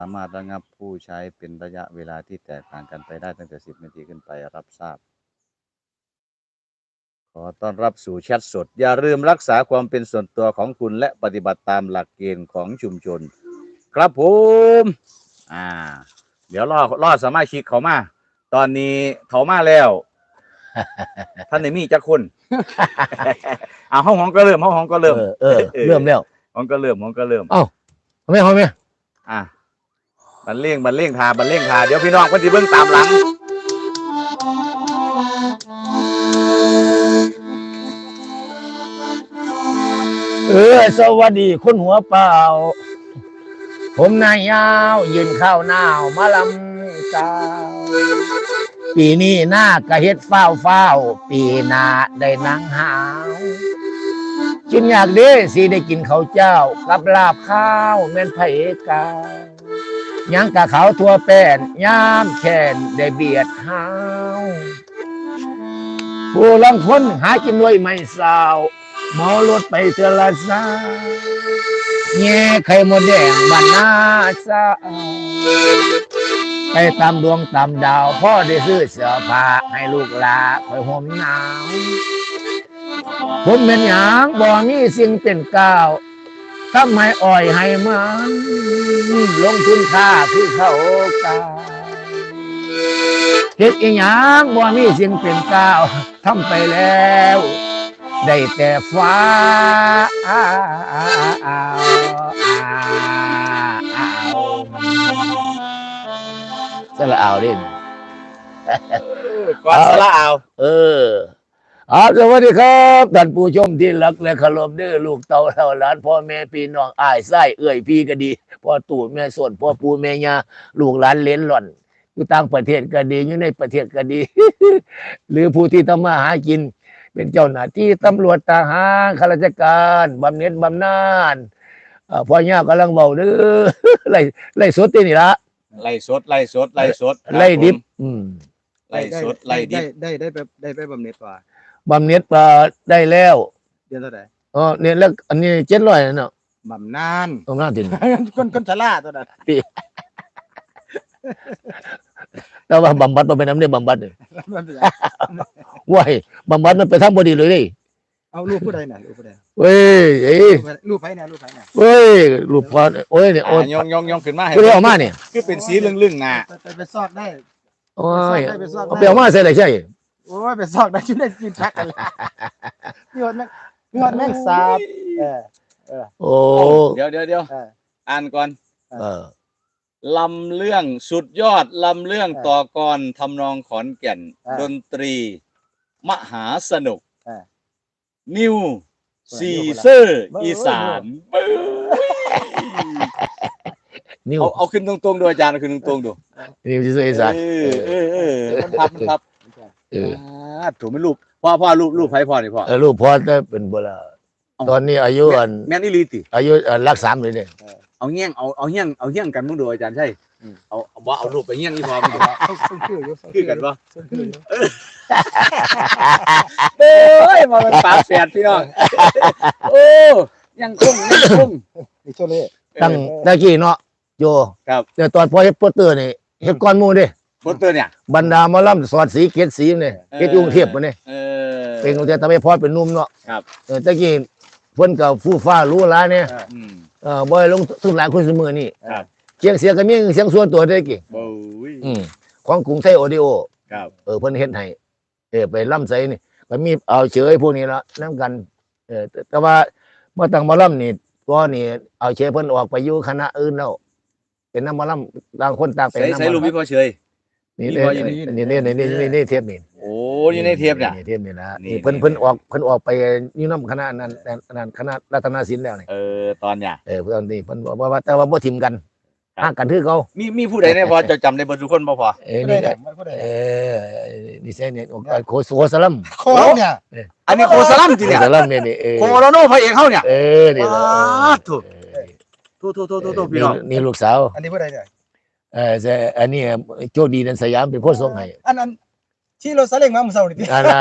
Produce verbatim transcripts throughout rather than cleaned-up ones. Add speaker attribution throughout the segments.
Speaker 1: สามารถระงับผู้ใช้เป็นระยะเวลาที่แตกต่างกันไปได้ตั้งแต่สิบนาทีขึ้นไปรับทราบขอต้อนรับสู่แชทสดอย่าลืมรักษาความเป็นส่วนตัวของคุณและปฏิบัติตามหลักเกณฑ์ของชุมชนครับผมอ่าเดี๋ยวรอรอสมาชิกเขามาตอนนี้เขามาแล้วท่านในมีจักคนอ่าห้องห้องก็เริ่มห้องห้องก็เริ่ม
Speaker 2: เออเออเริ่มแล้ว
Speaker 1: ห้องก็เริ่มห้องก็เริ่ม
Speaker 2: เอ้าทำไมเขาไม่
Speaker 1: อ่ะบันเล่งบันเล่งทาบันเล่งทาเดี๋ยวพี่น้องเพิ่นสิเบิ่งตามหลัง
Speaker 2: เออสวัสดีคุณหัวเปล่าผมนายยาวยืนข้าวหนาวมาลำกาวปีนี้หน้ากะเฮ็ดเฝ้าเฝ้าปีหน้าได้นังหาวกินอยากเด้สิได้กินข้าวเจ้ากับลาบข้าวแม่นไผกายังกะเขาทั่วแป้นยามแค่นได้เบียดหาวผู้ลังคนหากินด้วยไม่สาวเมารถไปเทอละสาแง่ไข่มดแดงบ้านนาซาไปตามดวงตามดาวพ่อได้ซื้อเสื้อผ้าให้ลูกหลานคอยห่มหนาวผมเป็นหยังบ่มีสิ่งเป็นก้าวทำให้อ่อยให้มันลงทุนค่าคือเขากาเฮ็ดอีหยังบ่มีสิ่งเป็นก้าวทำไปแล้วได้แต่ฟ้าอ้าวอ้าวอ้าวสละเอาดิ
Speaker 1: ก่อนสละเอา
Speaker 2: เออเอาสวัสดีครับท่านผู้ชมที่รักและเคารพเด้อลูกเต่าเต่าหลานพ่อแม่พี่น้องอ้ายไส้เอื้อยพี่ก็ดีพ่อตู่แม่ส่วนพ่อปู่แม่ย่าลูกหลานเลนหล่อนอยู่ต่างประเทศก็ดีอยู่ในประเทศก็ดี หรือผู้ที่ทำมาหากินเป็นเจ้าหน้าที่ตำรวจทหารข้าราชการบำเหน็จบำนาญพ่อย่ากำลังเบาเด้อ ไล่ไล่สดที่นี่ละ
Speaker 1: ไล่สดไล่สดไล่สด
Speaker 2: ไล่ดิบอืม
Speaker 1: ไล่สดไล่ดิบ
Speaker 3: ได้ได้ได้ได้ไปบำเหน็จว่า
Speaker 2: บำเหน็จได้แล้ว
Speaker 3: เดือนเท่าไหร่
Speaker 2: อ๋อเนี่ยแล้วอันนี้เจ็ดร้อยเนาะ
Speaker 3: บำนาน
Speaker 2: บำนาญจริง
Speaker 3: คนคนชราตัวนั้น
Speaker 2: แต่ว่าบำบัดมันเป็นน้ำเนี่ยบำบัดเลยว้ายบำบัดมันไปทำบดีเลยดิ
Speaker 3: เอาลูกผู้ใดน่ะลูกผู้ใด
Speaker 2: เว้ยเอ้ย
Speaker 3: ลูกไผน่ะลูกไผน่ะ
Speaker 2: เว้ยลูกพอโอ้ยเนี่ยโอ้ย
Speaker 1: ยองยองยองขึ้นมาให้
Speaker 2: คือเอามาเนี่ย
Speaker 1: คือเป็นสีลึ่งๆน่ะ
Speaker 3: ไปไปซอกได้
Speaker 2: โอ้ยเอาไปเอามาใส่ไหนใช่
Speaker 3: โอ้ยไปซอกได้ชิ้นได้กินพักกันเลยพี่ฮอดแม่พี่ฮอดแม่สาบเออเออ
Speaker 2: โอ้
Speaker 1: เดี๋ยวเดี๋ยวเดี๋ยวอ่านก่อน
Speaker 2: เออ
Speaker 1: ลำเรื่องสุดยอดลำเรื่องต่อกรทำนองขอนแก่นดนตรีมหาสนุกนิวซีเซอร์อีสาน
Speaker 2: นิว
Speaker 1: เอาเอาขึ้นตรงๆดูอาจารย์เอาขึ้นตรงๆดู
Speaker 2: นิวซีเซอร์อีสาน
Speaker 1: เออเออเออมันพับมันพับเออถูกไหมรูปพ่อพ่อรูปรูปไพ่พ่อนี่พ่อ
Speaker 2: เออรูปพ่อได้เป็นโบราณตอนนี้อายุอัน
Speaker 1: แม่นี่ลีติ
Speaker 2: อายุรักสามเลยเนี่ย
Speaker 1: เอาเงี้ยงเอาเอาเงี้ยงเอาเงี้ยงกันมึงดูอาจารย์ใช่เอาบ่เอารูปไปเงี้ยงนี่พอมึงดูคือกันป่ะเอ้ยมาเป็นฝาแฝดพี่น้องโอ้ยังคงยังคง
Speaker 3: นี่โชเล่
Speaker 2: ตั้งตะกี้เนาะโย
Speaker 1: ครับ
Speaker 2: แต่ตอนพอเฮ็ดโปสเตอร์นี่เฮ็ดก้อนมูดิ
Speaker 1: โปสเตอร์เนี่ย
Speaker 2: บรรดาหมอลำสอดสีเกศสีเนี่ยเฮ็ดกรุงเทพมาเนี่ยเป็นกรุงเทพทำให้พอเป็นนุ่มเนาะ
Speaker 1: ครับ
Speaker 2: เออตะกี้เพิ่นก็ฟู่ฟ้ารู้หลายเนี่ยเออบ่ได้ลงทุนหลายคนเสมอนี่
Speaker 1: ครับ
Speaker 2: เสียงเสียงก็มีเสียงส่วนตัวได้กี่
Speaker 1: โอ้ย
Speaker 2: อืมของกรุงไทยออดิโอ
Speaker 1: ครับ
Speaker 2: เออเพิ่นเฮ็ดให้เออไปล่ำไสนี่ก็มีเอาเฉยพวกนี้ละนำกันเออแต่ว่าเมื่อตั้งหมอลำนี่ก็นี่เอาเฉยเพิ่นออกไปอยู่คณะอื่นแล้วเป็นนำหมอลำต่างคนต่างไป
Speaker 1: นำใส่รูปพี่พ่อเฉย
Speaker 2: นี่นี่นี่นี่นี่นี่นี่เทปนี่
Speaker 1: โอ้อยู่ในเทปเนี่ย
Speaker 2: เทปนี่นะนี่เพิ่นเพิ่นออกเพิ่นออกไปอยู่นำคณะนั้นนั้นคณะรัตนศิลป์แล้วนี่
Speaker 1: เออตอนเนี่ย
Speaker 2: เออตอนนี้เพิ่นบอกว่าแต่ว่าบ่ทิ่มกันห่างกันคือเขา
Speaker 1: มีมีผู้ใดเนี่ยพอจะจำได้บ่ทุกคนบ่พอ
Speaker 2: เออนี่เออนี่ใช่เนี่ยโคโซสลัม
Speaker 3: โคเนี่ย
Speaker 1: อันนี้โคสลัมจริงเนี่ย
Speaker 2: สลัมเนี่ยนี่เออ
Speaker 1: โคโลโนพระเอกเฮาเนี่ย
Speaker 2: เออนี่
Speaker 1: ถูกถูกถูกถูกถูกพี่น้อง
Speaker 2: นี่ลูกสาว
Speaker 3: อันนี้ผู้ใดเนี่ย
Speaker 2: เออจะอันนี้โชคดีนันสยามเป็นผู้ส่งให้
Speaker 3: อันนั้นที่รถซาเล้งมาเมื่อเช้านี่
Speaker 2: อันน่ะ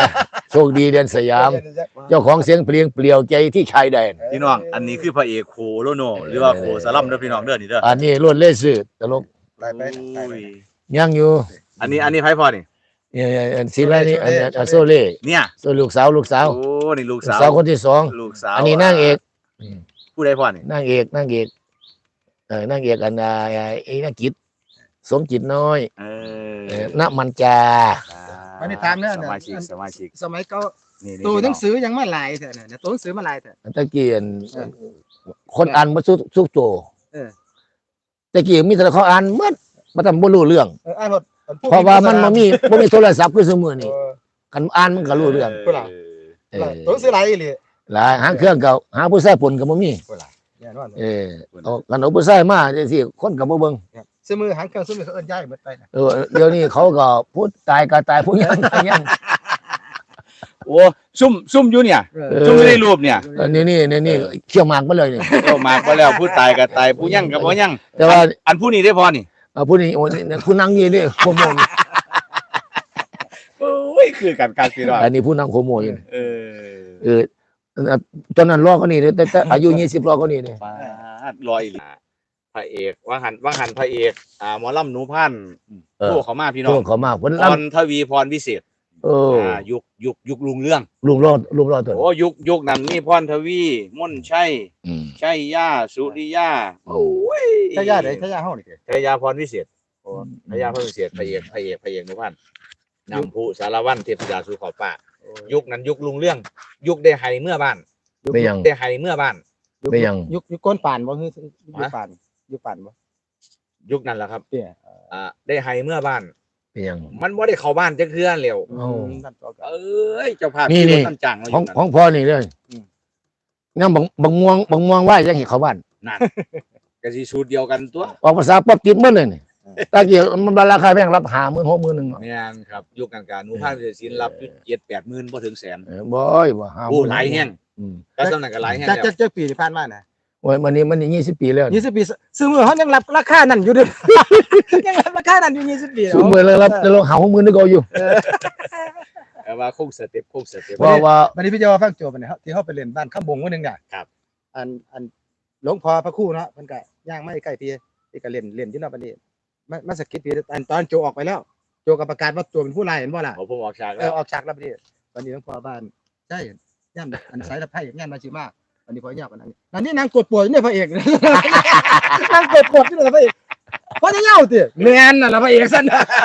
Speaker 2: โชคดีเดือนสยาม เจ้าของเสียงเพลงเปลี่ยวใจที่ชายแดน
Speaker 1: พี่น้องอันนี้คือพระเอกโคโลโนหรือว่าโคสลัมเด้อพี่น้องเด้อนี่เด้อ
Speaker 2: อันนี้ล้วนเล่สื่อตลก
Speaker 3: ไปไปไป
Speaker 1: โอ้ย
Speaker 2: ยังอยู่
Speaker 1: อันนี้อันนี้ไผพ่อนี่
Speaker 2: เนี่ยอันศิลานี่อันอันโซเล่
Speaker 1: เนี่ย
Speaker 2: โซลูกสาวลูกสาว
Speaker 1: โอ้นี่ลูก
Speaker 2: ลูก
Speaker 1: สาว
Speaker 2: สาวคนที่สอง
Speaker 1: ลูกสาว
Speaker 2: อันนี้นางเอกอืม
Speaker 1: ผู้ใดพ่อนี่
Speaker 2: นางเอกนางเอกเออนางเอกอันอ่าไอ้นางกิจสมจิตน้อย
Speaker 1: เอ
Speaker 2: เอ
Speaker 1: อ
Speaker 2: อณมันจา
Speaker 3: มาในถามเนี่ย
Speaker 1: สมาชิกสมาชิก
Speaker 3: สมัยเก่า
Speaker 1: นี่
Speaker 3: ตัวหนัง
Speaker 1: อ
Speaker 3: สือยังมาหลายเถอะเนี่ยตัวหนังสือมาหลายเถอะ
Speaker 2: ตะเกียน
Speaker 3: เออ
Speaker 2: คนอ่านมาสุสุกโต
Speaker 3: เออ
Speaker 2: ตะเกียนมีแต่เขาอ่านหมดมาทำบ่รู้เรื่อง
Speaker 3: เอออ่านหมด
Speaker 2: เพราะว่ามันบ่มีบ่มีโทรศัพท์คือสมือ
Speaker 3: เอ
Speaker 2: นี่
Speaker 3: อ
Speaker 2: กันอ่านมันก็รู้เรื่อง
Speaker 1: เออ
Speaker 3: ผู้หลัง
Speaker 2: เออ
Speaker 3: ตัวหนังสือหลายอีหลี
Speaker 2: หลายหางเครื่องเก่าหาผู้ชายผลก็บ่มี
Speaker 3: ผู้หลังเนี่ยนอน
Speaker 2: เออเอากันเอาผู้ชายมาจังซี่คนก็บ่เบิ่ง
Speaker 3: ซื้อมือหางเครื่องซื้อมือเขาเอิ้นย้ายหมดไปนะ
Speaker 2: เออเดี๋ยวนี้เขาก็พูดตายก็ตายผู้ยังตายยัง
Speaker 1: โอ้ซุ่มซุ่มอยู่เนี่ย
Speaker 3: เอ
Speaker 2: เอ
Speaker 3: อ
Speaker 2: อ
Speaker 1: ซุ่มอยู่ในรูปเนี่ย
Speaker 2: อันนี้นี่นี่นี่เขี่ยวหมากมาเลยนี่
Speaker 1: ก็มาก็แล้วผู้ตายก็ตายผู้ยั่งก็บ่ยั่ง
Speaker 2: แต่ว่า
Speaker 1: อันผู้นี้ได้พอนี่
Speaker 2: เอาผู้นี้โอ้นี่ผู้นั่งนี่นี่โคโมนี่
Speaker 1: โอ้ยคือกันการพี่น้อง
Speaker 2: อันนี้ผู้นั่งโคโมอยู่นี่
Speaker 1: เออ
Speaker 2: เออตอนนั้นรอเขานี่เลยแต่แต่อายุยี่สิบรอเขานี่เลย
Speaker 1: ฟาดลอยอีหลีพระเอกว่าหันว่าหันพระเอกอ่าหมอลำหนูพันธุ์
Speaker 2: เออ
Speaker 1: โทรเขามาพี่น้
Speaker 2: ช่
Speaker 1: อ
Speaker 2: ว
Speaker 1: ง
Speaker 2: งเขามาเพิ่น
Speaker 1: พ
Speaker 2: รับ
Speaker 1: รทวีพรวิเศษ
Speaker 2: เออ
Speaker 1: อ่ายุคยุคยุคลุงเรื่อง
Speaker 2: ลุงรอดลุงรอดตัว
Speaker 1: โอ้ยุคยุคนั้นมีพรทวีม่นชัย
Speaker 2: อืม
Speaker 1: ชัยย่าสุริยาโอ้ย
Speaker 3: ถ้าญาติไหนถ้าญาติเฮานี่เด้
Speaker 1: ชัยยาพรวิเศษโอ้ชัยยาพรวิเศษพระเอกพระเอกพระเอกหนูพันธุ์นำผู้สารวัตรเทพธิดาสู่ขอบฟ้ายุคนั้นยุคลุงเรื่อง ยุคได้ไห้เมื่อบ้าน
Speaker 2: ไม่ยัง
Speaker 1: ได้ไห้เมื่อบ้าน
Speaker 2: ไม่ยัง
Speaker 3: ยุคยุคก้นป่านบ่คือยุคป่านยุคป่านบ่
Speaker 1: ยุคนั้นแหละครับ
Speaker 3: เนี่ย
Speaker 1: อ่าได้ไห้เมื่อบ้าน
Speaker 2: ไม่ยัง
Speaker 1: มันบ่ได้เข้าบ้านจักเทื่อเร็ว
Speaker 2: เอ้า
Speaker 3: นั่นต่อกัน
Speaker 1: เอ้ยเจ้าภาพ
Speaker 2: นี่
Speaker 1: ขี่ร
Speaker 2: นี่
Speaker 1: ถตั้งจังเลย
Speaker 2: ของ
Speaker 1: ยู่
Speaker 2: ของพ่อนี่เลย
Speaker 3: อืม
Speaker 2: งั้นบังบังม่วงบังม่วงไหวยังเห็นเขาบ้าน
Speaker 1: นั่นก็สิสูตรเดียวกันตัว
Speaker 2: ออกภาษาป๊อบติดหมันเลยนี่ตะเกียบมันราคาแพงรับหาหมื่นหกหมื่นหนึ่ง
Speaker 1: แม่นครับยุคกลางๆหนูภาคศิลป์รับอยู่เจ็ดแปดหมื่นบ่ถึงแสน
Speaker 2: เออบ่อยบ่หา
Speaker 1: โอ้หลายแห้ง
Speaker 2: อืม
Speaker 1: ก็สำนักก็หลายแห้ง
Speaker 3: จัก
Speaker 1: แล้ว
Speaker 3: จักจักปีที่ผ่านมาน่ะ
Speaker 2: โอ้ยมันนี่มันนี่ยี่สิบปีแล้ว
Speaker 3: ยี่สิบปีซื้อมือเขายังรับราคานั่นอยู่เด้อ ยังรับราคานั่นอยู่ยี่สิบปี
Speaker 2: สูงเมื่อแล้วรับแล้วเราหาหกหมื่นนึกเอาอยู่
Speaker 1: แต่ว่าคงสเต็ปคงสเต็ป
Speaker 2: เพราะว่า
Speaker 3: วันนี้พี่เจ้าฟังโจบัดนี้เฮาที่เฮาไปเล่นบ้านข้ามบงวันหนึงน่ะ
Speaker 1: ครับ
Speaker 3: อันอันหลวงพ่อพระครู่เนาะเพิ่นก็ย่างมาใกล้พี่พี่ก็เล่นเล่นอยู่เนาะบัดนี้มามาสะกิดพี่อันตอนโจออกไปแล้ว โจก็ประกาศว่าตัวเป็นผู้ร้ายเห็นบ่ล่ะ
Speaker 1: เอาผมออกฉาก
Speaker 3: เอ
Speaker 1: แล้
Speaker 3: อ
Speaker 1: ว
Speaker 3: ออกฉากแล้วบัดนี้วันนี้หลวงพ่อบ้านใช่ย่านอันสายตะไคร้ย่านมาชิมาวันนี้พอยากกว่านั้นนั่นนี่นางกดปวดอยู่ในพระเอก นางกดปวดอยู่ในพระเอกเพราะจะเหงาติแม่นน่ะล่ะพระเอกซั่น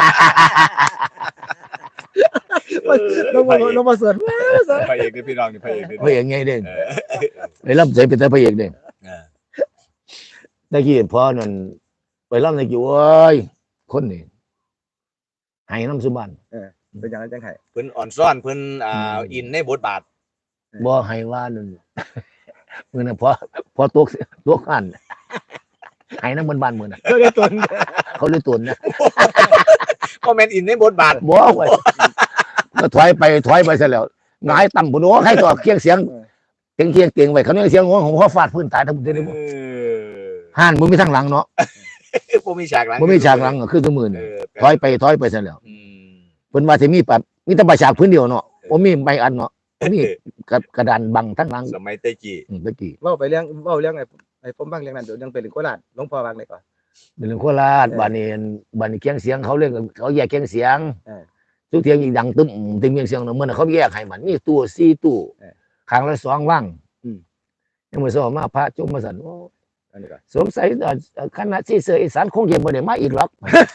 Speaker 3: ลงมาลงมาเสิร์ฟ
Speaker 1: พระเอกนี่พี่น้องนี่พระเอกนี่
Speaker 2: พระเอกไงเด้งไปรับใจเป็นแต่พระเอกเด้ง
Speaker 1: เออ
Speaker 2: ตะกี้พ่อนั่นไปรับตะกี้โอ้ยคนนี่ให้น้ำสุบัน
Speaker 3: เป็นอย่างนั้นจังไห้
Speaker 1: เพิ่นอ่อนซ่อนเพิ่นอ่าอินในบทบาท
Speaker 2: บ่ให้ว่านั่นมื้อนั้นพอพอตกตกขันให้น้ำบนบ้านมื้อน่ะ
Speaker 3: เขาได้ตน
Speaker 2: เขาเลยตุนนะ
Speaker 1: ก็แม่นอินในบทบาท
Speaker 2: บ่ไว้ก็ถอยไปถอยไปซะแล้วหงายตั้งบ่โน้ให้ต่อเคียงเสียงเคียงเคียงเก่งไว้เขาเนี่ยเสียงของผมเขาฟาดพื้นตายทั้งหมดเลย
Speaker 1: เออ
Speaker 2: ห่านบ่มีทางหลังเนาะ
Speaker 1: บ่มีฉากหลัง
Speaker 2: บ่มีฉากหลังก็คือซุมื้อ
Speaker 1: เอ
Speaker 2: นี่
Speaker 1: อ
Speaker 2: ถอยไปถอยไปซะแล้ว
Speaker 1: อืม
Speaker 2: เพิ่นว่าสิมีปัดมีแต่ประฉากพื้นเดียวเนาะบ่มีใบอันเนาะมีกระกระดานบังทั้งหลัง
Speaker 1: สมัยเตจี
Speaker 2: อืมตะกี้
Speaker 3: เว่าไปเรื่องเว่าเรื่องไอ้ไอ้ผมบ้างเรื่องนั้นเดี๋ยวยังไปถึงโคราชหลวงพ่อวางเลยก่อน
Speaker 2: เป็นเรื่องโคราชบ้านนี้บ้านนี้เคียงเสียงเขาเรียกเขาแยกเคียงเสียง
Speaker 3: เออ
Speaker 2: ทุกเทียงอีกดังตึ้มตึ้มเคียงเสียงเนาะมื้อนั้นเขาแยกให้มันมีตู้สี่ตู้
Speaker 3: เออ
Speaker 2: ข้างละสองว่าง
Speaker 3: อืม
Speaker 2: ยังมื้อสองมาพระจุมมาสั่นโอ้
Speaker 3: อันนี้ก่อน
Speaker 2: สงสัยเอ่อคณะที่เสืออีสานคงจะบ่ได้มาอีกหรอก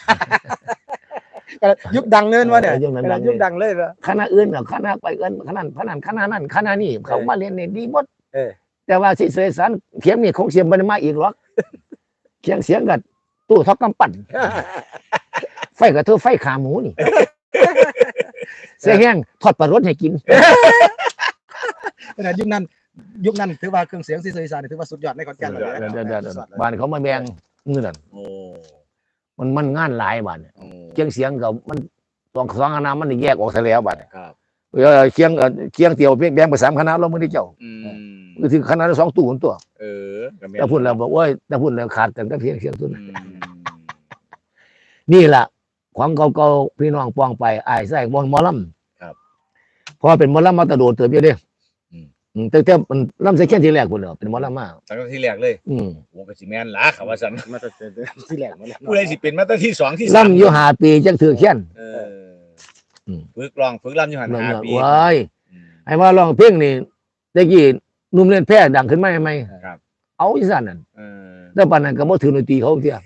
Speaker 3: ก็ยุคดังเนินวะเนี่ย
Speaker 2: เออยุคนั้นดัง
Speaker 3: ยุคดังเลยเหรอ
Speaker 2: คณะอื่นน่ะคณะไปเอิ้นคณะพนันคณะนั้นคณะนี้เขามาเรียนนี่ดีหมด
Speaker 3: เออ
Speaker 2: แต่ว่าที่เสืออีสานเขียงนี่คงเสียงบ่ได้มาอีกหรอกเคียงเสียงกับตู้ทอกกำปั้น ไฟกับเธอไฟขาหมูนี่ เสียแห้งทอดปลารสให้กิน
Speaker 3: ขนาดยุคนั้นยุคนั้นถือว่าเครื่องเสียงซีซีซานถือว่าสุดยอดในขอนแก่นเลย
Speaker 2: เดี๋ยวๆๆบ้านเขามาแบ่งมือนั่น
Speaker 1: โอ้
Speaker 2: มันมันงานหลายบ้านเนี่ย
Speaker 1: โอ้
Speaker 2: เคียงเสียงกับมันสองสองคณะมันแยกออกซะแล้วบ้านเนี่ย
Speaker 1: ครับ
Speaker 2: เออเคียงเอ่อเคียงเตียวเพียงแบ่งไปสามคณะเราไม่ได้เจ้า
Speaker 1: อืม
Speaker 2: ก็คือคณะละสองตู้คนตัว
Speaker 1: เออก็ม่น
Speaker 2: แต่พูดแล้วบอกว่าแต่พูดแล้วขาดกันก็เพียงเสียงตัว
Speaker 1: อื
Speaker 2: นั้น
Speaker 1: ม
Speaker 2: นี่แหละความเก่าๆพี่น้องปองไปอ้ายใส่บอลหมอลำพอเป็นหมอลำมาตะโดดเติบเยอะเด้
Speaker 1: อืม
Speaker 2: อืมแต่แต่มันลำใส่แค่ทีแรกพุ่นเหรอเป็นหมอลำมา
Speaker 1: ตั้งแต่ที่แรกเลย
Speaker 2: อืม
Speaker 1: โอ้ก็สิแม่นล่ะเขาว่าซั่น
Speaker 3: มาแต่ที่แรกมาแล้ว
Speaker 1: ผู้ใดสิเป็นมาตั้งที่สองที่สาม
Speaker 2: ลำอยู่ห้าปีจังถือแค้น
Speaker 1: เออ
Speaker 2: อืม
Speaker 1: ฝึกร้องฝึกรำอยู่หันห้าปี
Speaker 2: ว้าย
Speaker 1: อืม
Speaker 2: ไอ้ว่าร้องเพลงนี่ตะกี้หนุ่มเล่นแพร่ดังขึ้นมาใหม่
Speaker 1: ครับ
Speaker 2: เอาอีสานนั่น
Speaker 1: เออ
Speaker 2: แล้วปานนั้นก็บ่ถือดนตรีเขาเที่ย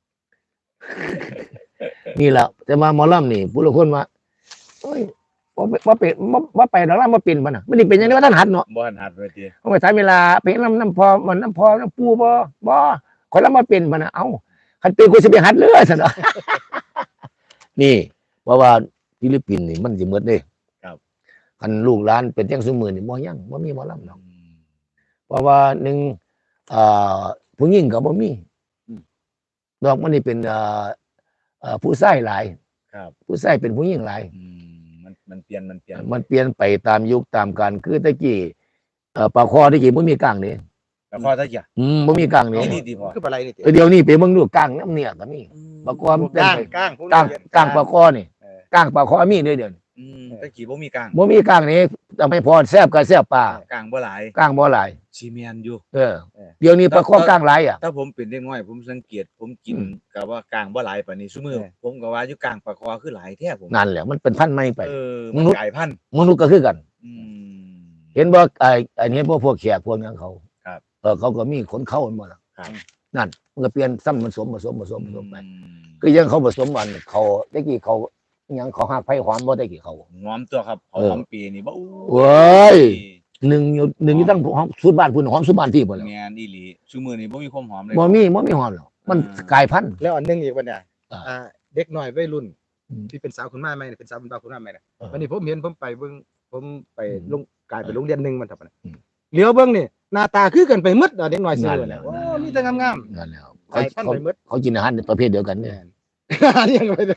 Speaker 2: นี่แหละแต่มาหมอลำนี่ผู้ละคนว่าโอ้ยว่าว่าเป็นว่าว่าไปดอกลำบ่เป็นบ่น่ะมันนี่เป็นอย่างนี้ว่าท่านหัดเนาะ
Speaker 1: บ่หันหัดเวที
Speaker 2: เอาไปถามเวลาเพลงลำน้ำพอมันน้ำพอน้ำปูบ่บ่คนละมาเป็นบ่น่ะเอ้าคันเป็นกูสิไปหัดเลยซั่นเนาะ นี่เพราะว่าฟิลิปปินส์นี่มันสิหมดเด้คันลูกหลานเป็นจังซุมื้อนี่บ่ยังบ่มีหมอลำดอกเพราะว่าหนึ่งอ่าผู้หญิงก็บ่มีดอกมันนี่เป็นอ่าอ่าผู้ชายหลาย
Speaker 1: ครับ
Speaker 2: ผู้ชายเป็นผู้หญิงหลาย
Speaker 1: อืมมันมันเปลี่ยนมันเปลี่ยน
Speaker 2: มันเปลี่ยนไปตามยุคตามการคือตะกี้เอ่อปลาคอตะกี้บ่มีกลางนี่
Speaker 1: แล้วพอตะกี้
Speaker 2: อืมบ่มีกลางนี่
Speaker 1: นี่ดีดีพอ
Speaker 3: คืออะไรนี่ติ
Speaker 2: เออเดี๋ยวนี้ไปเบิ่งดูกลางน้ำเนี่ยก็มี ปลาคอมันเป็น
Speaker 3: ก้าง
Speaker 2: ไป
Speaker 3: ก้าง
Speaker 2: กลางกลางปลาคอนี่
Speaker 3: เออก
Speaker 2: ลางปลาคอมีด้วยเดี๋ยวนี้
Speaker 1: อืมตะกี้บ่มีกลาง
Speaker 2: บ่มีกลางนี่ทำให้พอแซ่บก็แซ่บปลาก
Speaker 1: ลางบ่หลาย
Speaker 2: กลางบ่หลาย
Speaker 1: ซีเมนอยู่
Speaker 2: เออเดี๋ยวนี้ปลาคอกลางหลายอ่ะ
Speaker 1: ถ้าผมเป็นเด็กน้อยผมสังเกตผมกิน
Speaker 2: อืม
Speaker 1: กับว่ากลางบ่หลายปานนี้ซุมื้อผมก็ว่าอยู่กลางปลาคอคือหลายแท้ผม
Speaker 2: นั่นแหละมันเป็นพันธุ์ใหม่ไป
Speaker 1: เออ
Speaker 2: ม
Speaker 1: มัน
Speaker 2: นุษย์
Speaker 1: กลายพันธุ์
Speaker 2: มนุษย์ก็คือกัน
Speaker 1: อืม
Speaker 2: เห็นบ่ไอ้ไอ้นี่พวกพวกแขกพวกนั้นเขา
Speaker 1: ครับ
Speaker 2: เออเขาก็มีขนเข้าหมดล่ะ
Speaker 1: ครับ
Speaker 2: นั่นมันก็เปลี่ยนซ้ำผสมผสมผสมผสมไป
Speaker 1: อืม
Speaker 2: คือยังเขาผสมมันเขาตะกี้เขาอิหยังเขาหักไผ่หอมบ่ตะกี้เขา
Speaker 1: หอมตัวครับห
Speaker 2: เออ
Speaker 1: อมปีนี่บ่อู้
Speaker 2: เว้ย หนึ่งอยู่หนึ่งอยู่ตั้งหอมสุดบ้านพุ่นหอมสุดบ้านที่บ่แล้ว
Speaker 1: แม่นอีหลีซุมื้อนี้บ่มีความหอมเลย
Speaker 2: บ่มีบ่มีหอมหรอกมัน
Speaker 1: อ่าก
Speaker 2: ลายพันธุ์
Speaker 3: แล้วอันหนึงอีกวันเนี่ย
Speaker 2: อ่า
Speaker 3: อ่าเด็กน้อยวัยรุ่น
Speaker 2: อืม
Speaker 3: ที่เป็นสาวคุณแม่ใหม่เนี่ยเป็นสาวคุณป้าคุณแม่ใหม่เนี่ย
Speaker 2: เออ
Speaker 3: วันนี้ผมเห็นผมไปเบิ่งผมไป
Speaker 2: อืม
Speaker 3: ลงกลายไปโรงเรียนหนึงมันทับนะ
Speaker 2: อืม
Speaker 3: เลี้ยวเบิ่งนี่หน้าตาคือกันไปหมดอะเด็กน้อยซื้
Speaker 2: นั่
Speaker 3: อน
Speaker 2: แห
Speaker 3: เนี่ย
Speaker 2: ละ
Speaker 3: โอ้มีแต่งาม
Speaker 2: นั่นแหละ
Speaker 3: ๆ
Speaker 2: เขา
Speaker 3: กลายพันธุ์
Speaker 2: เขา
Speaker 3: ไปหมด
Speaker 2: เขากินอาหารประเภทเดียวกันเนี่ย
Speaker 3: เลี้ยงไปเลย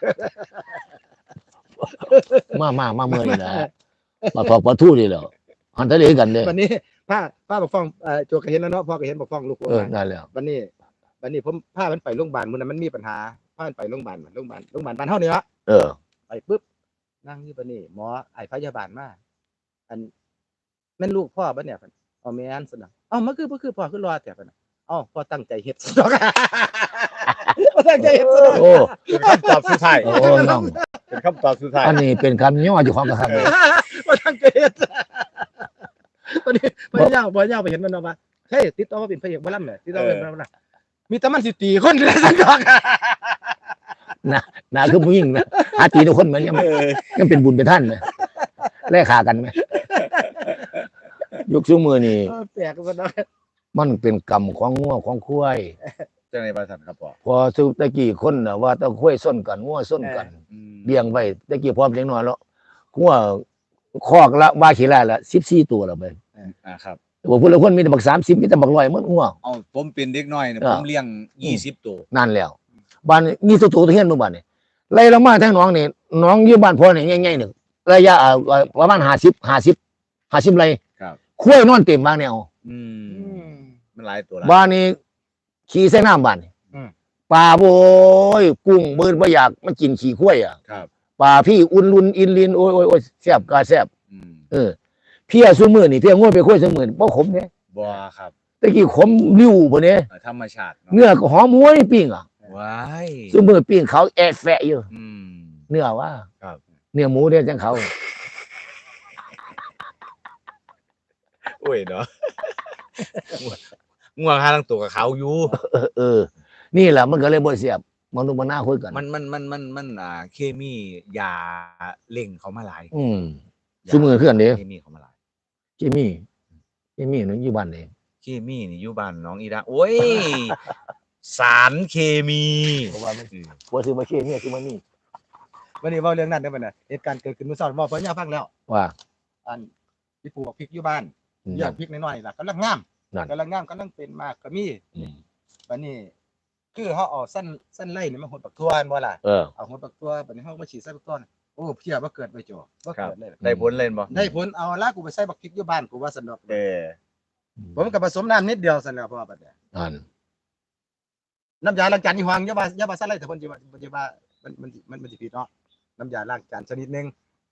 Speaker 2: มามามาเมื่อนี่แหละมาถอกปลาทูนี่แหละหันทะเลกันเนี่ย
Speaker 3: วันนี้ป้าป้าบอกฟ้องเอ่อโจกก็เห็นแล้วเนาะพ่อก็เห็นบอกฟ้องลูกผม
Speaker 2: เออ
Speaker 3: มา
Speaker 2: นั่นแหละ
Speaker 3: วันนี้วันนี้ผมพามันไปโรงพยาบาลมื้อนั้นมันมีปัญหาพามันไปโรงพยาบาลมันโรงพยาบาลโรงพยาบาลบ้านเฮานี่ละ
Speaker 2: เออ
Speaker 3: ไปปุ๊บนั่งอยู่ปะนี่หมอไอ้พยาบาลมาอันแม่นลูกพ่อปะเนี่ยเพิ่นเอาแม่นสนะเอ้ามันคือบ่คือพ่อคือรอแต่ปะน่ะเอ้าพ่อตั้งใจเฮ็ดซะดอก พ่อตั้งใจเฮ็ดซะดอก
Speaker 2: โอ้
Speaker 1: เป็นคำตอบสุดท้าย
Speaker 2: โอ้น้อง
Speaker 1: เป็นคำตอบสุดท้าย
Speaker 2: อันนี้เป็นคำย่ออยู่ของกระทำเลย
Speaker 3: พ่อตั้งใจเฮ็ดวันนี้พ่อย่าพ่อย่าไปเห็นมันเอาว่าเฮ้ยติดต่อมาเป็นพระเอกบ่ล่ำเนี่ยติดต่อมาเป็นบ่ล่ำมีแต่มันสิตีคนเลยซะดอก
Speaker 2: น่าคือผู้หญิงนะหาตีทุกคนเหมือนยัง
Speaker 1: เออ
Speaker 2: ยังเป็นบุญเป็นท่านไหมแลกขากันไหมยุคซุมือนี่
Speaker 3: เออแปลกซะดอก
Speaker 2: มันเป็นกรรมของงัวของควาย
Speaker 1: จังได๋บ่ทันครับพ่อ
Speaker 2: พอสุตะกี้คนน่ะว่าต้องควายส้นกันงัวส้นกัน
Speaker 1: อืม
Speaker 2: เลี้ยงไว้ตะกี้พร้อมเลี้ยงน้อยแล้วงัวคอกละว่าขี้ละละสิบสี่ตัวแล้วไป
Speaker 1: อ่าครับ
Speaker 2: ว่าผู้ละคนมีแต่บักสามสิบมีแต่บักร้อยหมดงัว
Speaker 1: เอาผมเป็นเด็กน้อยเนี่ย
Speaker 2: อ่า
Speaker 1: ผมเลี้ยงยี่สิบตัว
Speaker 2: นั่นแล้วบ้านนี้มีตัวตัวตัวเฮียนหมู่บ้านนี่ไล่ลงมาทางหน้องนี่หน้องอยู่บ้านพ่อนี่ใหญ่ๆหนึ่งระยะเอ่อประมาณห้าสิบห้าสิบห้าสิบไร่
Speaker 1: ครับ
Speaker 2: คุ้ยนอนเต็มบ้านแนว
Speaker 1: อื
Speaker 3: อื
Speaker 1: ม
Speaker 3: ม
Speaker 1: มันหลายตัวหลาย
Speaker 2: บ้านนี้ขี่ใส่น้ำบ้านนี่
Speaker 3: อืม
Speaker 2: ปลาโบยกุ้งมืดบ่อยากมันกินขี้คุ้ยอ่ะ
Speaker 1: ครับ
Speaker 2: ปลาพี่อุ่นลุนอินลินโอ้ยโอ้ยโอ้ยแซ่บกาแซ่บ
Speaker 1: อืม
Speaker 2: เออเพียซุมื้อนี่เพียง่วยไปคุ้ยซุมื้อนี่บ่ขมเด้
Speaker 1: บ่ครับ
Speaker 2: ตะกี้ขมริ้วบ่เนี่ย
Speaker 1: เอ่อธรรมชาติเนาะ
Speaker 2: เนื้อก็หอมหวยปิ้งอ่ะ
Speaker 1: ว้าย
Speaker 2: ซุมื้อปิ้งเขาแอะแฟะอยู่
Speaker 1: อืม
Speaker 2: เนื้อว่า
Speaker 1: ครับ
Speaker 2: เนื้อหมูเด้จังเขา
Speaker 1: โอ้ยเนาะ ง่วงหาทั้งตัวกับเขาอยู่
Speaker 2: เออเออ นี่แหละมันก็เลยบ่เสียบมันต้องมาหน้าคุยกัน
Speaker 1: มันมันมันมันมันอ่าเคมียาเล่งเขามาหลาย
Speaker 2: อืมซุมื้อคือกันเด้
Speaker 1: เคมีเขามาหลาย
Speaker 2: เคมีเคมีนึงอยู่บ้านเด้
Speaker 1: เคมีนี่อยู่บ้านน้องอีดาโอ้ย สารเคมี
Speaker 2: เพราะว่ามัน
Speaker 1: อืม
Speaker 2: บ่ซื้อมาเคมีซื้อมามี
Speaker 3: วันนี้เว้าเรื่องนั้นได้บ่เนี่ยเหตุการณ์เกิดขึ้นเมื่อเช้าเว้าเพิ่นย่าฟังแล้ว
Speaker 2: ว่า
Speaker 3: อันพี่ปู่บอกพริกอยู่บ้าน
Speaker 2: อืม
Speaker 3: อยากพริกน้อยๆล่ะกำลังงาม
Speaker 2: นั่น
Speaker 3: กำลังงามกำลังเป็นมากก็มี
Speaker 2: อืม
Speaker 3: บัดนี้ คือเฮาเอาสั้นสั้นไล่นี่มาหดปักทั่วอันบ่ล่ะ
Speaker 2: เออ
Speaker 3: เอาหดปักทั่วบัดนี้เฮามาฉีดใส่ปักทั่วน่ะโอ้เพียบ่เกิดไปจ่อบ่
Speaker 1: ครับ
Speaker 3: เกิดเลย
Speaker 1: ได้ผลเล่นบ่
Speaker 3: ได้ผลเอาละกูไปใส่บักพริกอยู่บ้านกูว่าสนุก
Speaker 1: เออ
Speaker 3: ผมก็ผสมน้ำนิดเดียวซั่นแหล้วเพราะว่าบัดเนี้ย
Speaker 2: นั่น
Speaker 3: น้ำยาล้างจานยี่ห้องอย่าว่าอย่าว่าใส่ไรแต่เพิ่นสิว่าเพิ่นสิว่ามันมันมันมันสิผิดเนาะน้ำยาล้างจานชนิดหนึงผ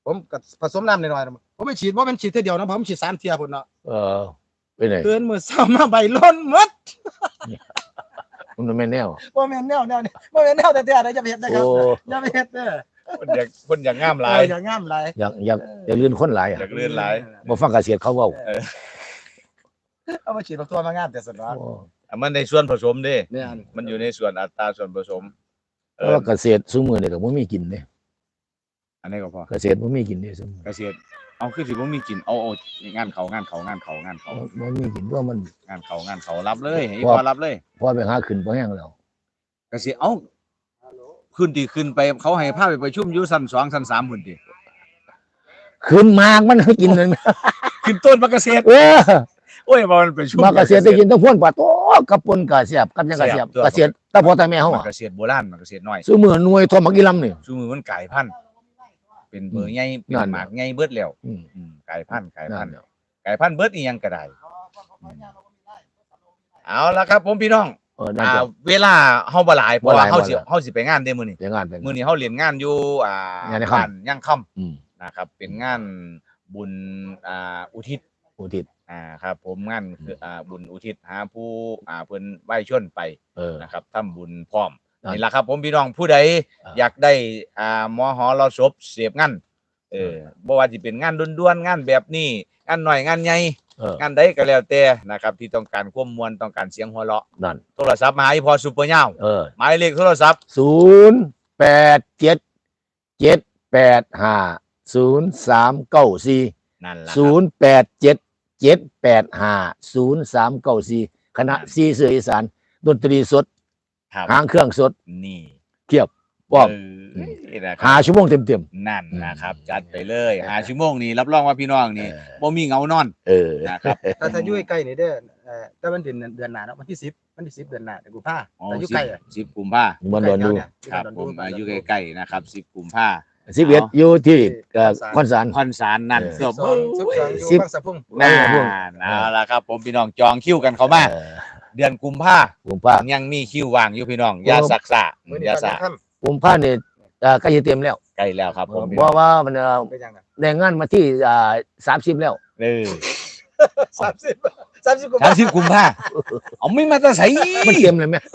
Speaker 3: ผมก็ผสมน้ำหน่อยๆผมไม่ฉีดว่ามันฉีดเท่าเดียวนะผมฉีดสามเทียพุ่นเนาะ
Speaker 2: เออเป็นไง
Speaker 3: เกินมือเศร้ามาใบล้นหมด
Speaker 2: มันไม่แนว
Speaker 3: บ่แม่นแนวแนวนี่บ่แม่นแนวแต่แต่ได้จะไปเฮ็ดนะครับ
Speaker 2: โอ้
Speaker 3: อย่าไปเฮ็ดเด้อ
Speaker 1: คนอยากคนอยากงามหลาย
Speaker 3: เอออย่างงามหลาย
Speaker 2: อยากอยากอยากลื่นคนหลาย
Speaker 1: อ
Speaker 2: อ่ะ
Speaker 1: ยากเลื่อนหลาย
Speaker 2: บ่ฟังเกษตรเขาเว้า
Speaker 3: เอามาฉีดบักตัวมางามแต่สนว่า
Speaker 2: โอ้
Speaker 1: อ่ะมันในส่วนผสมเด้
Speaker 3: เนี่ย
Speaker 1: มันอยู่ในส่วนอัตราส่วนผสม เอ
Speaker 2: แต่
Speaker 1: อ
Speaker 2: ว่าเกษตรซุมื้อนี่ก็บ่มีกินเด้
Speaker 1: อันนี้ก็พอ
Speaker 2: เกษตรบ่มีกินเด้ซุมื้อ
Speaker 1: เกษตรเอาคือสิบ่มีกินเอาเอางานเขางานเขางานเขางานเขา
Speaker 2: บ่มีกินเพราะมัน
Speaker 1: งานเขางานเขารับเลยให้
Speaker 2: พอ
Speaker 1: พอรับเลย
Speaker 2: พอไปหาขึ้นบ่แห้งแล้ว
Speaker 1: เกษตรเอ้าขึ้นที่ขึ้นไปเขาให้พาไปประชุมอยู่ชั้นสองชั้นสามพุ่นติ
Speaker 2: ขึ้นมากมันให้กินเลย
Speaker 1: ขึ้นต้นมะเกษตร
Speaker 2: เออ
Speaker 1: โอ้ยบ่มันประชุม
Speaker 2: มาเกษตรได้กินต้องพ่นปลาโตกับปนกะเสียบกับหยังกะเสียบ
Speaker 1: เสียบตัว
Speaker 2: เกษตรตาพ่อตาแม่เฮา
Speaker 1: มั
Speaker 2: อ่ะ
Speaker 1: นเกษตรโบราณมันเกษตรน้อย
Speaker 2: ซุมื้อหน่วยทอมักอีลำนี่
Speaker 1: ซุมือมันกลายพันธุ์เป็นเบอร์ใหญ่เป็น
Speaker 2: นั่น
Speaker 1: หมากใหญ่เบิดแล้ว
Speaker 2: อืม
Speaker 1: อืมกลายพันธุ์กลาย
Speaker 2: นั่
Speaker 1: พัน
Speaker 2: น
Speaker 1: ธุ์
Speaker 2: แหละ
Speaker 1: กลายพันธุ์เบิดอีหยังก็ได้อืมเอาละครับ ผมพี่น้อง
Speaker 2: เออนั่น
Speaker 1: อ่า
Speaker 2: จะ
Speaker 1: เวลาเฮาบ่หลายเพราะ
Speaker 2: บ่ห
Speaker 1: ว่า
Speaker 2: ลาย
Speaker 1: เฮาสิ
Speaker 2: บ่หลาย
Speaker 1: เฮาสิไปงานเด้มื้อนี้
Speaker 2: เดี๋ยวงานเป็น
Speaker 1: มื้อนี้เฮาเรียนงานอยู่อ่าง
Speaker 2: านในค่ำ
Speaker 1: บ้ย่างค่ำ
Speaker 2: อืม
Speaker 1: นะครับ เป็นงานบุญอ่าอุทิศ
Speaker 2: อุทิศ
Speaker 1: อ่าครับ ผมงานคืออ่าบุญอุทิศหาผู้อ่าเพิ่นไหว้ชนไป
Speaker 2: เออ
Speaker 1: นะครับทำบุญพร้อม
Speaker 2: นั่น
Speaker 1: นี่แหละครับ ผมพี่น้องผู้ใด
Speaker 2: อ่า
Speaker 1: อยากได้อ่าหมอหอรอศพเสียบงานเออบ่ว่าสิเป็นงานด่วนๆงานแบบนี้งานหน่อยงานใหญ่
Speaker 2: เออง
Speaker 1: านใดก็แล้วแต่นะครับ ที่ต้องการความมวลต้องการเสียงหัวเราะ
Speaker 2: นั่น
Speaker 1: โทรศัพท์มาหาอีพอซุปเปอร์ยาว
Speaker 2: เออ
Speaker 1: หมายเลขโทรศัพท์
Speaker 2: ศูนย์แปดเจ็ดเจ็ดแปดห้าศูนย์สามเก้าสี่
Speaker 1: นั่นล่ะค
Speaker 2: ศู
Speaker 1: รับ
Speaker 2: นย์แปดเจ็ดเจ็ดแปดห้าศูนย์สามเก้าสี่คณะซีเสืออีสานดนตรีสด
Speaker 1: ครับ
Speaker 2: หางเครื่องสด
Speaker 1: นี่
Speaker 2: เทียบป้อม
Speaker 1: เออนี่นะค
Speaker 2: หา
Speaker 1: รับ
Speaker 2: ชั่วโมงเต็มเต็ม
Speaker 1: นั่นนะครับ จัดไปเลยหาชั่วโมงนี้รับรองว่าพี่น้องนี่บ่มีเหงานอน
Speaker 2: เออ
Speaker 1: นะครับ
Speaker 3: ถ้าถ้าอยู่ใกล้ๆนี่เด้อเอ่อแต่มันเดือนเดือนหน้าเนาะวันที่สิบวันที่สิบเดือนหน้าเดือนกุมภา
Speaker 1: อ๋อ
Speaker 3: แต่อยู่ใกล้อะ
Speaker 1: สิบกุมภา
Speaker 2: มันโดนดู
Speaker 1: ครับผมอายุใกล้ๆนะครับสิบกุมภา
Speaker 2: สิบเอ็ดอยู่ที่เอ่อคอนสาร
Speaker 1: คอนสารนั่น
Speaker 2: เออ
Speaker 1: เกือบ
Speaker 3: สองสิบสองอยู่
Speaker 2: สิบ
Speaker 3: บางสะพุ่ง
Speaker 1: น่าเอาละครับ ผมพี่น้องจองคิวกันเข้ามา
Speaker 2: เออ
Speaker 1: เดือนกุมภา
Speaker 2: ผมผ้า
Speaker 1: ยังมีคิวว่างอยู่พี่น้องอย่าสักษะ
Speaker 3: มื้อ
Speaker 1: อ
Speaker 3: นี้
Speaker 1: ย่า
Speaker 3: ตอน
Speaker 1: สะ
Speaker 3: ค่ำ
Speaker 2: ผมผ้าเนี่ยเอ่อใกล้จะเต็มแล้ว
Speaker 1: ใกล้แล้วครับผมพี่
Speaker 2: เพ
Speaker 1: น้อง
Speaker 2: ราะว่ามันเอ่อ
Speaker 3: เป็นยังไง
Speaker 2: แรงงานมาที่อ่าสามสิบแล้ว
Speaker 1: เออ
Speaker 3: สามสิบสามสิบกุม
Speaker 1: สาม
Speaker 3: ภา
Speaker 1: สิบกุมภาเอาไม่มาแตะใส
Speaker 2: มันเต็มเลยไหม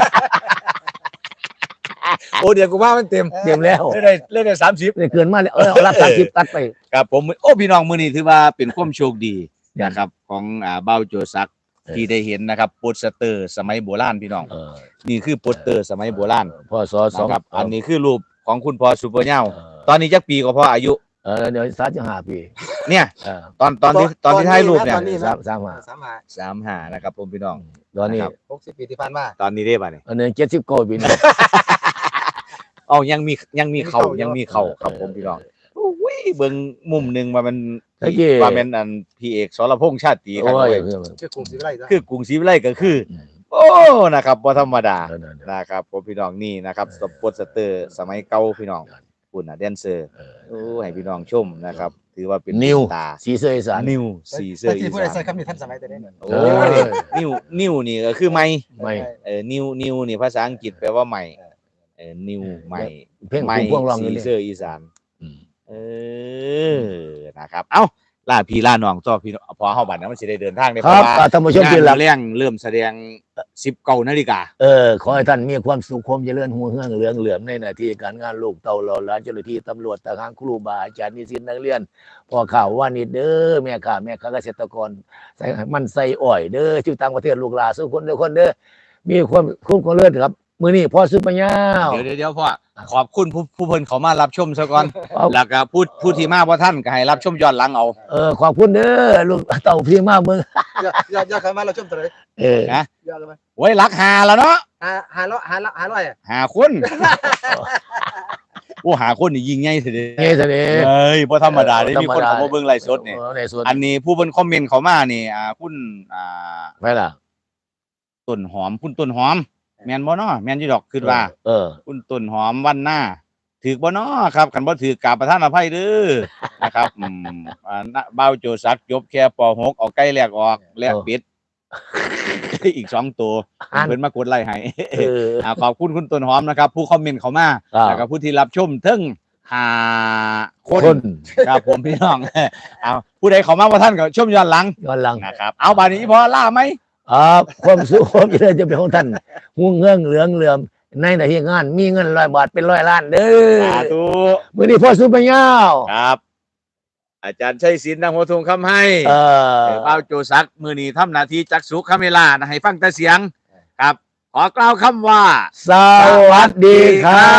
Speaker 1: โอ้เดือนกุมภามันเต็ม
Speaker 2: เต็มแล้ว
Speaker 1: เล่นได้เล่นได้สามสิบ
Speaker 2: เนี่ยเกินมาแล้วเออเอารับสามสิบตัดไป
Speaker 1: ครับผมโอ้พี่น้องมื้อนี้ถือว่าเป็นความโชคดีนะครับ ของอ่าเบ้าโจซัก
Speaker 2: เออ
Speaker 1: ที่ได้เห็นนะครับโปสเตอร์สมัยโบราณพี่น้อง
Speaker 2: เออ
Speaker 1: นี่คือโปสเตอร์สมัยโบราณ
Speaker 2: พ่อสอสอง
Speaker 1: นะครับอันนี้คือรูปของคุณพ่อซูเปอร์เน่า
Speaker 2: เออ
Speaker 1: ตอนนี้จักปีก็พออายุ
Speaker 2: เออเดี๋ยวสามสิบห้าปี
Speaker 1: เนี่ย
Speaker 2: เออ
Speaker 1: ตอนตอนที่ตอนที่ถ่ายรูปเนี่ย
Speaker 3: ตอนนี้
Speaker 2: สามสามห้า
Speaker 3: สามห้า
Speaker 1: สามห้านะครับผมพี่น้อง
Speaker 2: ตอนนี้
Speaker 1: นะครับ
Speaker 3: หกสิบปีที่ผ่านมา
Speaker 1: ตอนนี้ได้ป่ะเนี่ย
Speaker 2: อันนี้เจ็ดสิบเก้าปีนี่
Speaker 1: เอายังมียังมีเขา
Speaker 3: ยั
Speaker 1: ยัง
Speaker 3: งมี
Speaker 1: มีเขา
Speaker 3: เข่า
Speaker 1: ครับผมพี่น้องโอ้ยเบิ่งมุมหนึ่งว่ามัน
Speaker 2: ตะกี้
Speaker 1: ว่าเป็นอันพี่เอกสรพงษ์ชาติครับ
Speaker 2: โอ้ย
Speaker 1: เว้ย
Speaker 3: ชื่อกลุ่มศิวิไลซ์
Speaker 1: คือกรุงศรีวิไลก็คือ
Speaker 2: อืม
Speaker 1: โอ้นะครับบ่ธรรมดา
Speaker 2: เออเออเออ
Speaker 1: นะครับผมพี่น้องนี่นะครับสปอตสเตอร์สมัยเก่าพี่น้องคุณน่ะแดนเซอร์
Speaker 2: เออ
Speaker 1: โอ้ให้พี่น้องชมนะครับ ถือว่าเป็น
Speaker 2: นิว
Speaker 1: ตา
Speaker 2: สีเสืออีสาน
Speaker 1: นิวสีเสื้
Speaker 3: แต่
Speaker 1: ออี
Speaker 3: ที่ผู้ใดใส่
Speaker 1: สาน
Speaker 3: คำนี้ท่านสมัยแต่เด็ก
Speaker 1: โอ้
Speaker 2: เออ
Speaker 1: นิวนิวนี่ก็คือไม่
Speaker 2: ไม่
Speaker 1: เออนิวนิวนี่ภาษาอังกฤษแปลว่าใหม่เออนิวใหม่
Speaker 2: เพลง
Speaker 1: ใหม่
Speaker 2: พุ่มพวงร้องอยู่
Speaker 1: สี
Speaker 2: นี่
Speaker 1: เสื้ออีสาน
Speaker 2: อืม
Speaker 1: เออนะครับเอ้าล่าพี่ล่าน้องต่อพี่น้องพอเฮาบัดนั้นมันสิได้เดินทางได้
Speaker 2: ค
Speaker 1: เพ
Speaker 2: รับ
Speaker 1: ราะว่า
Speaker 2: อ่าท่านผู้ชมที่รัก
Speaker 1: งานเลี้ยงเริ่มแสดงสิบเก้านาฬิกา
Speaker 2: เออขอให้ท่านมีความสุขความเจริญหัวเฮืองเหลืองเหลือมในหน้าที่การงานลูกเต่าหล่อหลานเจ้าหน้าที่ตำรวจทหารครูบาอาจารย์นิสิตนักเรียนพ่อข่าวว่านิดเด้อแม่ข่าแม่ข้าเกษตรกรใส่มันใส่อ้อยเด้อที่ต่างประเทศลูกหลานสุขคนเด้อคนเด้อมีความคุ้มความเลิศครับมื้อนี้พ่อซื้อปัญญา
Speaker 1: เดี๋ยวเดี๋ยวเดี๋ยวพ่อขอบคุณผู้ผู้เพิ่นเขามารับชมซะก่อน
Speaker 2: เอา
Speaker 1: แล้วก็ผู้ผู้ที่มาบ่ท่านก็ให้รับชมย้อนหลังเอา
Speaker 2: เออขอบคุณเด้อลูกเต่าพี่มาเมือง
Speaker 3: อย่าอย่าอย่าเข้ามาเราชมตัวเลย
Speaker 2: เออ
Speaker 1: นะ
Speaker 3: อย่าเข้ามา
Speaker 1: โอ้ยรักหาแล้วเนาะ
Speaker 3: หาหาร้อยหาหาร้อยอะ
Speaker 1: หาคน โอ้หาคนนี่ยิงใหญ่เสิเด้
Speaker 2: เงี้ยเสน่ห์
Speaker 1: เอ้ยบ่ธรรมดาเด้
Speaker 2: ธรรมดา
Speaker 1: มีคนเข้ามาเบิ่งไลฟ์สดนี่
Speaker 2: เออในส่วน
Speaker 1: อันนี้ผู้เพิ่นคอมเมนต์เข้ามานี่อ่าคุณอ่า
Speaker 2: ไปล่ะ
Speaker 1: ต้นหอมคุณต้นหอม แม่นบ่เนาะแม่นอยู่ดอกคิดว่า
Speaker 2: เออ
Speaker 1: คุณต้นหอมวันหน้าถือบ่เนาะครับคันบ่ถือกราบประทานอภัยเด้อ นะครับอืมอ่าณเบ้าโจซักจบแค่ป หก เอาไก่แลกออกแลกเป็ด อีกสองตัว
Speaker 2: อ่าน
Speaker 1: เพิ่นมากดไลค์ให้
Speaker 2: เออ
Speaker 1: อ่าขอบคุณคุณต้นหอมนะครับ ผู้คอมเมนต์เข้ามา
Speaker 2: อ่า
Speaker 1: แล้วก็ผู้ที่รับชมเทั้งห้าค
Speaker 2: คน น
Speaker 1: ครับผมพี่น้อง เอาผู้ใดเขามาว่าท่านก็ชมย้อนหลัง
Speaker 2: ย้อนหลัง
Speaker 1: นะครับ เอาบาดนี้พอล่าไหม
Speaker 2: อ่าความสุขความเจริญจะเป็นของท่านหูเงื่องเหลืองเหลื่อมในหน้าที่งานมีเงินร้อยบาทเป็นร้อยล้านเด้อ
Speaker 1: สาธุ
Speaker 2: มื้อนี้พ่อสุปัญญาว
Speaker 1: ครับ อาจารย์ชัยศิลป์นางหัวทงคำให้
Speaker 2: เออ
Speaker 1: เอ่อบ่าวโจซักมือนี้ทำหน้าที่จักสุคาเมล่านะให้ฟังแต่เสียง ครับ ขอกล่าวคำว่า
Speaker 2: สวัสดีครับ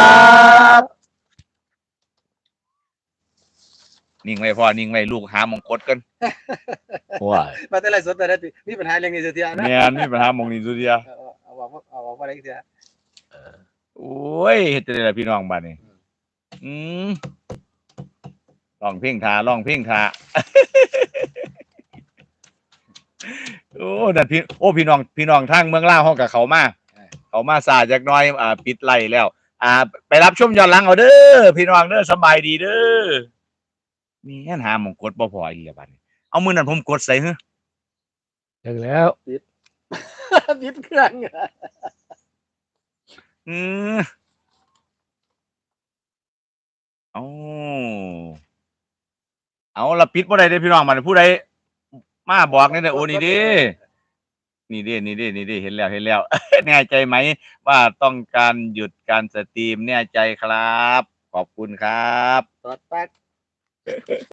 Speaker 1: นิ่งไว้พ่อนิ่งไว้ลูกหามงกดกัน
Speaker 2: ว้าย
Speaker 3: มาแต่ไรสดแต่ละทีมีปัญหาเรื่องนี้เสียทีนะ
Speaker 1: แม่นมีปัญหามงนี้สุดเดียว
Speaker 3: เอาเอาเอาบอกเอาบอกว่าอะไรเสีย
Speaker 1: โอ้ยเฮ็ดจังได๋ล่ะพี่น้องบัดนี้ อืมร้องเพลงทาร้องเพลงทา โอ้นั่นพี่โอ้พี่น้องพี่น้องทางเมืองลาวเฮากับเขามาเขามาซาจักหน่อยอ่าปิดไล่แล้ว อ่า ไปรับชมย้อนหลังเอาเด้อพี่น้องเด้อสบายดีเด้อมีแค่หาหมองกดบ่พออีกแล้วบัดนี้เอามื้อนั้นผมกดใส่ฮะ
Speaker 2: ถึงแล้ว
Speaker 3: บิดเครื่อง
Speaker 1: อือเอาเอาละปิดบ่ได้เด้อพี่น้องมันผู้ใดมาบอกนี่เด้อโอ้นี่เด้นี่เด้นี่เด้นี่เด้เห็นแล้วเห็นแล้ว แน่ใจไหมว่าต้องการหยุดการสตรีมแน่ใจครับ ขอบคุณครับ
Speaker 3: ตอดแป๊ก